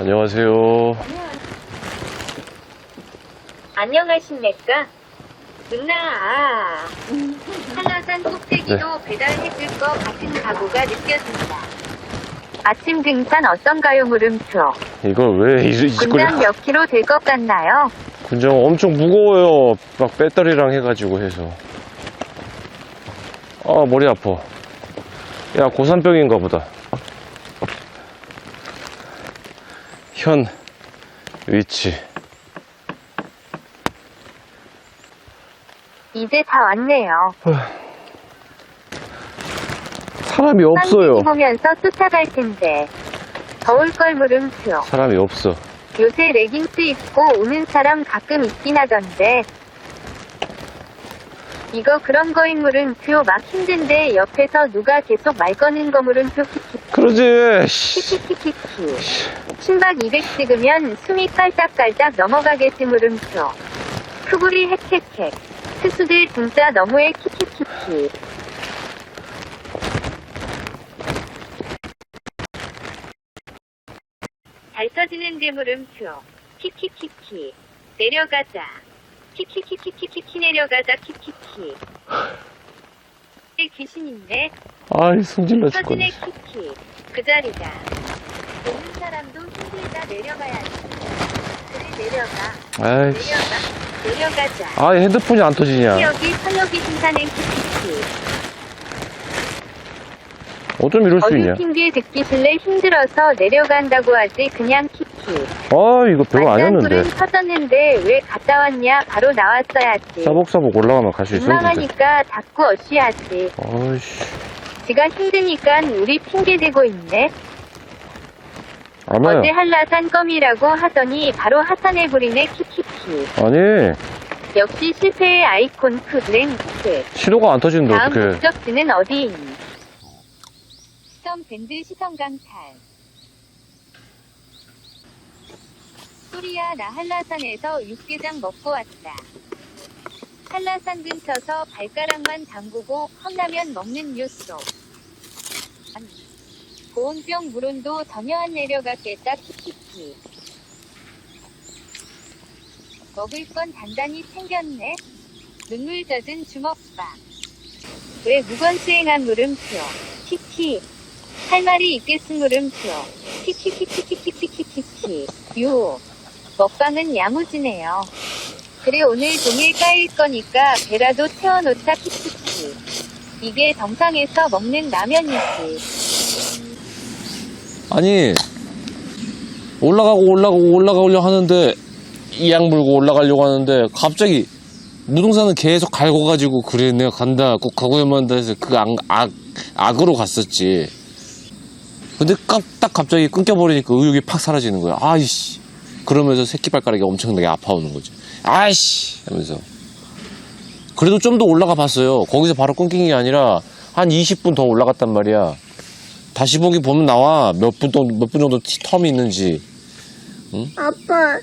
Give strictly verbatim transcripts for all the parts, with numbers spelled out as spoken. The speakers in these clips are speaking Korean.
안녕하세요. 안녕하십니까? 누나, 한라산 꼭대기도 네. 배달해줄 것 같은 각오가 느껴진다. 아침 등산 어떤가요, 물음표? 이걸 왜 이, 이 짓거리. 군장 몇 킬로 될 것 같나요? 군장 엄청 무거워요. 막 배터리랑 해가지고 해서. 아, 머리 아파. 야, 고산병인가 보다. 현 위치. 이제 다 왔네요. 사람이 없어요. 보면서 쫓아갈 텐데. 더울 걸 물음표. 사람이 없어. 요새 레깅스 입고 오는 사람 가끔 있긴 하던데. 이거 그런 거인 물음표. 막 힘든데 옆에서 누가 계속 말 거는 거 물음표. 그러지. 씨. 키키키키키. 심박 이백 찍으면 숨이 깔짝깔짝 넘어가겠지 물음표. 푸구리 핵핵핵. 투수들 진짜 너무해 키키키키. 잘 써지는데 물음표. 키키키키. 내려가자. 키키키키키키 내려가자 키키키. 귀신 있네. 아이, 승질나 서진의 죽겠네. 키키. 그 자리다. 오는 사람도 힘들다 내려가야지. 그래 내려가. 아이씨. 내려가. 내려가자. 아, 핸드폰이 안 터지냐. 여기 설렁이 신사는 키키키. 어쩜 이럴 수 어디 있냐. 핑계 듣기 실내 힘들어서 내려간다고 하지 그냥 키키. 아, 이거 별거 아니었는데. 만장굴은 터졌는데 왜 갔다 왔냐 바로 나왔어야지. 사복사복 올라가면 갈 수 있었는데. 민망하니까 자꾸 어시하지. 아이씨. 지가 힘드니까 우리 핑계 대고 있네. 아마요. 어제 한라산 껌이라고 하더니 바로 하산해버리네 키키키. 아니, 역시 실패의 아이콘 푸드랭크. 신호가 안 터지는데 다음 어떡해. 목적지는 어디인? 시성밴드 시성강탈. 소리야 나 한라산에서 육개장 먹고 왔다. 한라산 근처서 발가락만 담그고 컵라면 먹는 뉴스. 아니, 보온병 물온도 전혀 안 내려갔겠다 키키키. 먹을 건 단단히 챙겼네. 눈물 젖은 주먹밥. 왜 무건수행한 물음표. 키키. 할 말이 있겠음 물음표. 키키키키키키키키키. 요. 먹방은 야무지네요. 그래 오늘 종일 까일 거니까 배라도 채워놓자 키키키. 이게 정상에서 먹는 라면이지. 아니, 올라가고 올라가고 올라가려고 하는데, 이악 물고 올라가려고 하는데, 갑자기, 무등산은 계속 갈궈가지고, 그래, 내가 간다, 꼭 가고야만 한다 해서 그 악, 악, 악으로 갔었지. 근데 깜, 딱 갑자기 끊겨버리니까 의욕이 팍 사라지는 거야. 아이씨. 그러면서 새끼발가락이 엄청나게 아파오는 거지. 아이씨! 하면서. 그래도 좀 더 올라가 봤어요. 거기서 바로 끊긴 게 아니라, 한 이십 분 더 올라갔단 말이야. 다시 보기 보면 나와. 몇 분, 또, 몇 분 정도 텀이 있는지. 응? 아빠.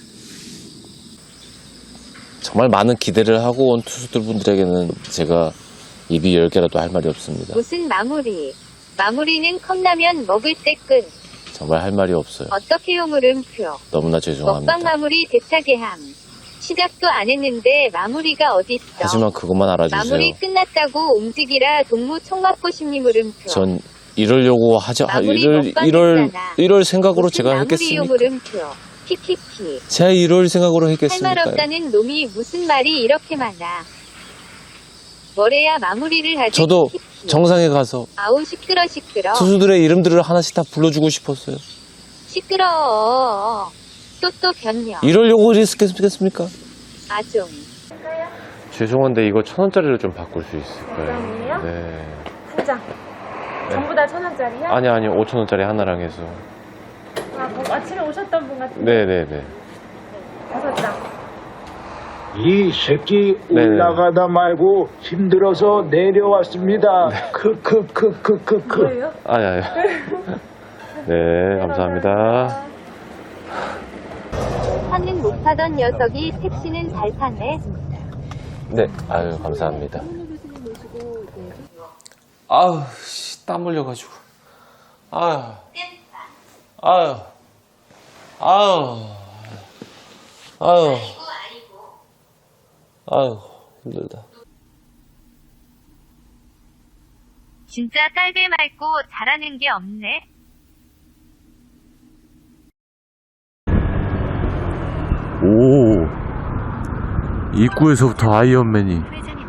정말 많은 기대를 하고 온 투수들 분들에게는 제가 입이 열 개라도 할 말이 없습니다. 무슨 마무리. 마무리는 컵라면 먹을 때 끝. 정말 할 말이 없어요. 어떻게요 물음표. 너무나 죄송합니다. 먹방 마무리 대차게 함. 시작도 안 했는데 마무리가 어딨어. 하지만 그것만 알아주세요. 마무리 끝났다고 움직이라 동무 총 맞고 싶니 물음표. 전 이러려고 하자, 마무리 이럴, 먹방 이럴, 했잖아. 이럴 생각으로 무슨 제가 마무리요 했겠습니까? 물음표. 키키키. 제가 이럴 생각으로 할 말 했겠습니까? 없다는 놈이 무슨 말이 이렇게 많아. 뭐래야 마무리를 하지. 저도 키키키. 정상에 가서 아우 시끄러 시끄러. 투수들의 이름들을 하나씩 다 불러주고 싶었어요. 시끄러워. 또 또 변명. 이러려고 했겠습니까? 아종. 죄송한데 이거 천 원짜리로 좀 바꿀 수 있을까요? 그럼요? 네. 한 장. 전부 다 천 원짜리요? 아니 아니 오천 원짜리 하나랑 해서. 아, 뭐 아침에 오셨던 분 같은데. 네네네. 다섯 장. 이 새끼 네네. 올라가다 말고 힘들어서 내려왔습니다. 크크크크크크. 뭐예요? 아니 아니. 네 감사합니다. 하는 못 타던 녀석이 택시는 잘 타네. 네 아유 감사합니다. 아우 씨, 땀 흘려가지고. 아유 아유 아유, 아유, 아유, 힘들다. 진짜 딸배 말고 잘하는 게 없네. 오, 입구에서부터 아이언맨이.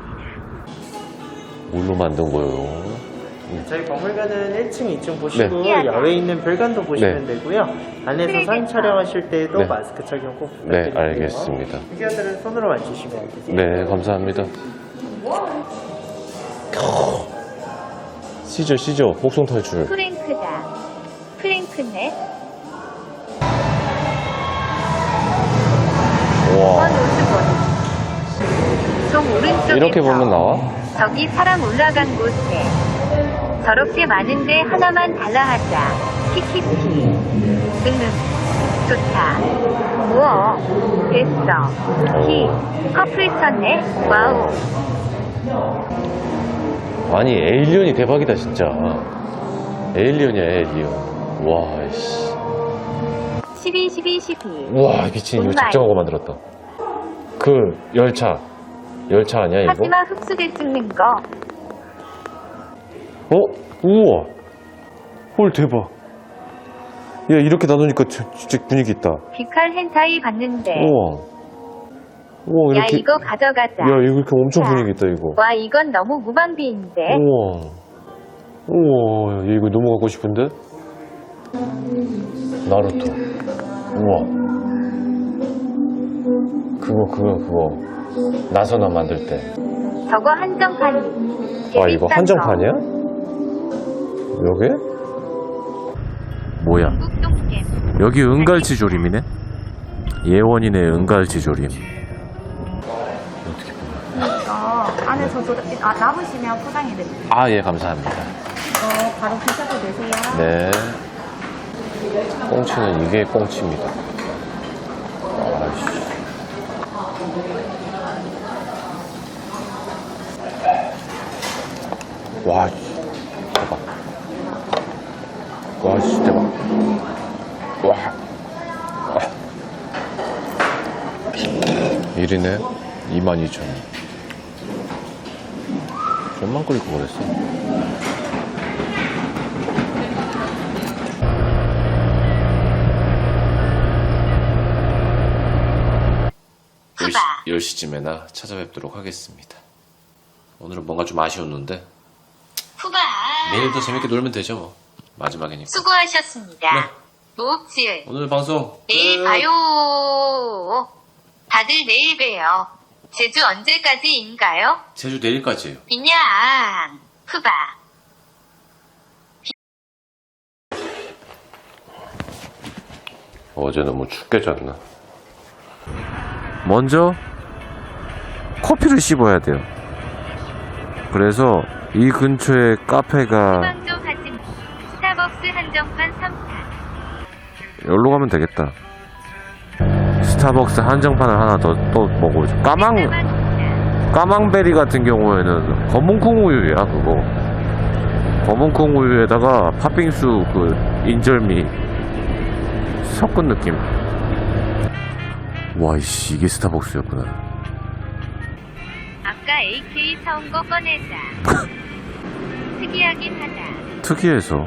뭘로 만든 거예요? 저희 박물관은 일 층, 이 층 보시고 네. 야외에 있는 별관도 보시면 네. 되고요. 안에서 사진 촬영하실 때도 네. 마스크 착용 꼭 네, 부탁드릴게요. 알겠습니다. 피규어들은 손으로 만지시면 되세요. 네, 감사합니다. 시저, 시저, 목성 탈출. 프랭크다. 프랭크네. 와, 오십 원. 좀 오른쪽에서 이렇게 보면 나와? 저기 사람 올라간 곳에 저렇게 많은데 하나만 달라 하자. 키키키. 응응. 좋다. 우와. 됐어. 키. 커플 쳤네. 와우. 아니, 에일리언이 대박이다, 진짜. 에일리언이야, 에일리언. 와, 씨. 십이, 십이, 십이. 와, 미친, 이거 작정하고 만들었다. 그, 열차. 열차 아니야, 이거? 하지마 흡수대 찍는 거. 어? 우와. 헐, 대박. 야, 이렇게 나누니까 저- 진짜 분위기 있다. 비칼 헨타이 봤는데. 우와. 우와, 야 이렇게. 이거 가져가자. 야, 이거 이렇게 엄청 자. 분위기 있다, 이거. 와 이건 너무 무방비인데. 우와. 우와, 야, 이거 너무 갖고 싶은데? 나루토. 우와. 그거, 그거, 그거. 나선화 만들 때. 저거 한정판이. 와, 이거 한정판이야? 여기? 뭐야? 뚝뚝겜. 여기 은갈치 조림이네? 예원이네, 은갈치 조림. 어, 안에서 조, 아, 남으시면 포장해드릴게요. 아, 예, 감사합니다. 어, 바로 드셔도 되세요. 네. 꽁치는 이게 꽁치입니다. 아이씨. 와, 씨. 대박. 와, 씨, 대박. 와. 와. 일이네. 이만 이천 원. 좀만 끓일 거 그랬어. 열 시쯤에나 찾아뵙도록 하겠습니다. 오늘은 뭔가 좀 아쉬웠는데 후바. 내일 더 재밌게 놀면 되죠 뭐. 마지막이니까. 수고하셨습니다. 네. 노업지을. 오늘 방송 내일 끝. 봐요. 다들 내일 봬요. 제주 언제까지인가요? 제주 내일까지예요. 그냥 후바. 어제 너무 춥게 잤나? 먼저 커피를 씹어야 돼요. 그래서 이 근처에 카페가 후방 좀 하지. 스타벅스 한정판 삼 탄. 여기로 가면 되겠다. 스타벅스 한정판을 하나 더 또 먹어보자. 까망 까망베리 같은 경우에는 검은콩 우유야 그거. 검은콩 우유에다가 팥빙수 그 인절미 섞은 느낌. 와, 이씨, 이게 스타벅스였구나. 아까 에이케이 사온 거 꺼내자. 특이하긴 하다. 특이해서.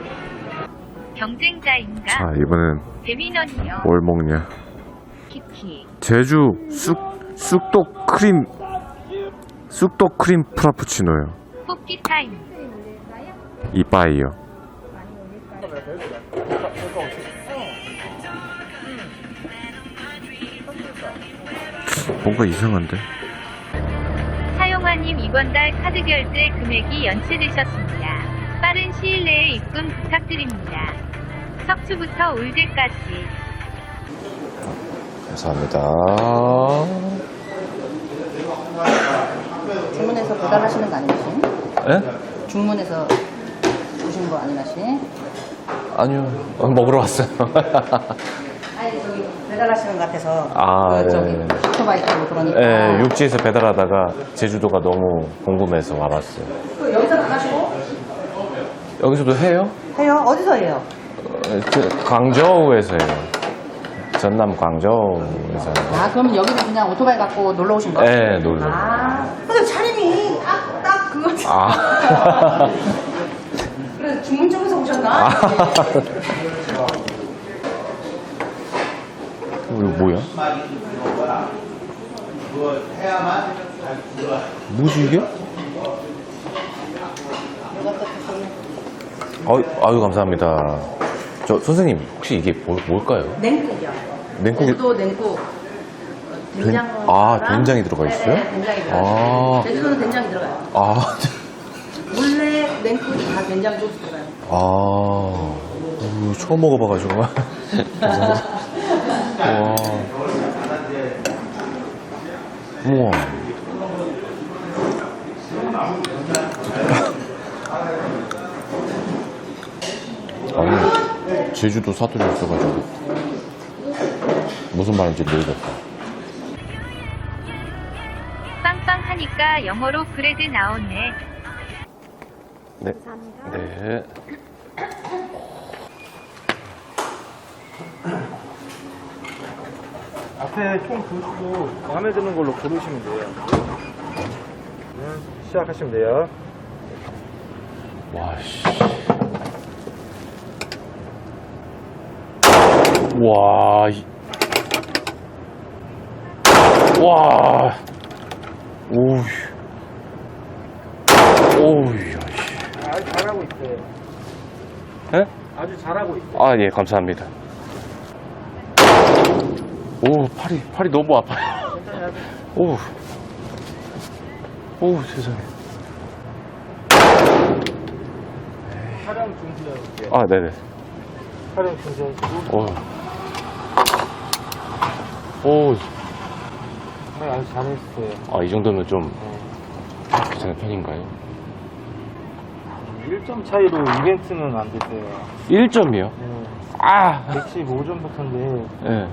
경쟁자인가? 자, 이번엔 배민원이요. 뭘 먹냐? 키키. 제주 쑥 쑥떡 크림 쑥떡 크림 프라푸치노요. 뽑기 타임. 이빠이요. 뭔가 이상한데? 사용화님 이번 달 카드 결제 금액이 연체되셨습니다. 빠른 시일 내에 입금 부탁드립니다. 석추부터 올제까지. 감사합니다. 주문해서 배달하시는 거 아니시? 예? 주문해서 주신 거 아니시? 아니요. 어, 먹으러 왔어요. 아니 저기 배달하시는 것 같아서 아, 그 저기 네. 오토바이 타고 그러니까 예, 육지에서 배달하다가 제주도가 너무 궁금해서 와봤어요. 그 여기서 안 하시고? 여기서도 해요? 해요? 어디서 해요? 어, 그 강저우에서 해요. 전남 광저우에서. 아, 그럼 여기서 그냥 오토바이 갖고 놀러 오신 거예요? 네, 놀러. 아, 근데 차림이 딱, 딱 그거. 아. 그래, 주문 쪽에서 오셨나? 아. 이거 뭐야? 뭐지 이게? 아유, 아유 감사합니다. 저 선생님 혹시 이게 뭐, 뭘까요? 냉국이요. 냉국이 제주도 냉국. 된장. 아, 된장이 들어가 있어요? 네, 된장이 들어가요. 아. 제주도는 된장이 들어가요. 아, 원래 냉국이 다 된장 소스 들어가요. 아, 이거 처음 먹어봐가지고. 감사합니다. 와. 우와. 아니, 제주도 사투리 있어가지고 무슨 말인지 모르겠다. 빵빵하니까 영어로 그래도 나오네. 네. 네. 앞에 총 보시고 마음에 드는 걸로 고르시면 돼요. 네, 시작하시면 돼요. 와, 씨. 와, 이... 와, 오우, 오우, 야, 씨. 아주 잘하고 있어요. 예? 아주 잘하고 있어요. 아, 예, 감사합니다. 오, 팔이, 팔이 너무 아파요. 오, 오, 세상에. 촬영 중지하실게요. 아, 네네. 촬영 중지하시고. 오, 오, 네, 아주 잘했어요. 아, 이 정도면 좀 네. 괜찮은 편인가요? 일 점 차이로 이벤트는 안 됐어요. 일 점이요? 네. 아, 백십오 점부터인데 예.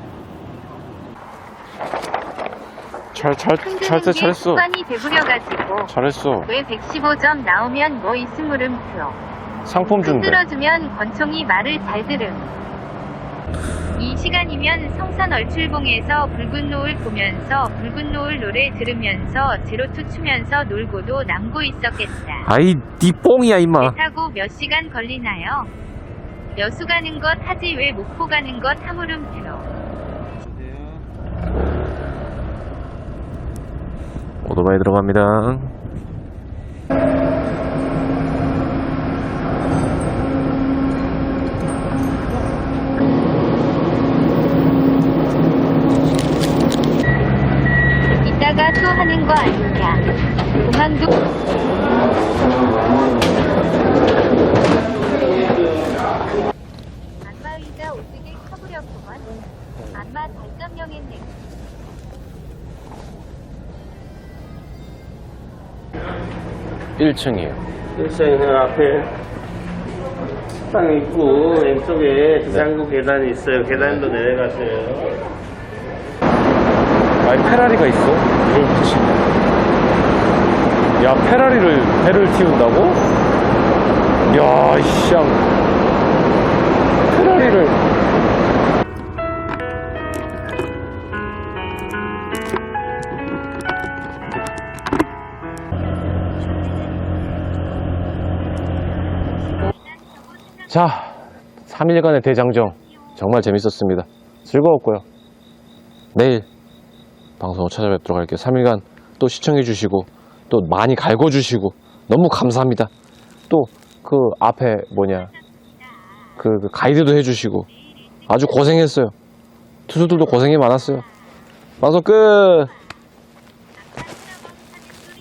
잘, 잘, 흔드는 잘, 게 잘했어. 습관이 돼버려가지고 잘했어. 왜 백십오 점 나오면 뭐 있음 물음표. 상품 준대. 흔들어주면 권총이 말을 잘 들음. 이 시간이면 성산 얼출봉에서 붉은 노을 보면서 붉은 노을 노래 들으면서 제로투 추면서 놀고도 남고 있었겠다. 아이, 니 뽕이야, 임마. 배 타고 몇 시간 걸리나요? 여수 가는 것 하지 왜 목포 가는 것 하물음표. 오토바이 들어갑니다. 이따가 또 하는 거 아니냐. 공항도 안마의자 오뜨게 커버렸구만. 안마 달점령했네. 일 층이에요. 일상은 앞에 식당 있고 왼쪽에 비상구 계단이 있어요. 계단도 내려가세요. 아니, 페라리가 있어? 그렇지. 야, 페라리를, 배를 틔운다고? 야, 이씨. 페라리를. 자, 삼 일간의 대장정 정말 재밌었습니다. 즐거웠고요. 내일 방송을 찾아뵙도록 할게요. 삼 일간 또 시청해주시고 또 많이 갈궈주시고 너무 감사합니다. 또 그 앞에 뭐냐 그, 그 가이드도 해주시고 아주 고생했어요. 투수들도 고생이 많았어요. 방송 끝.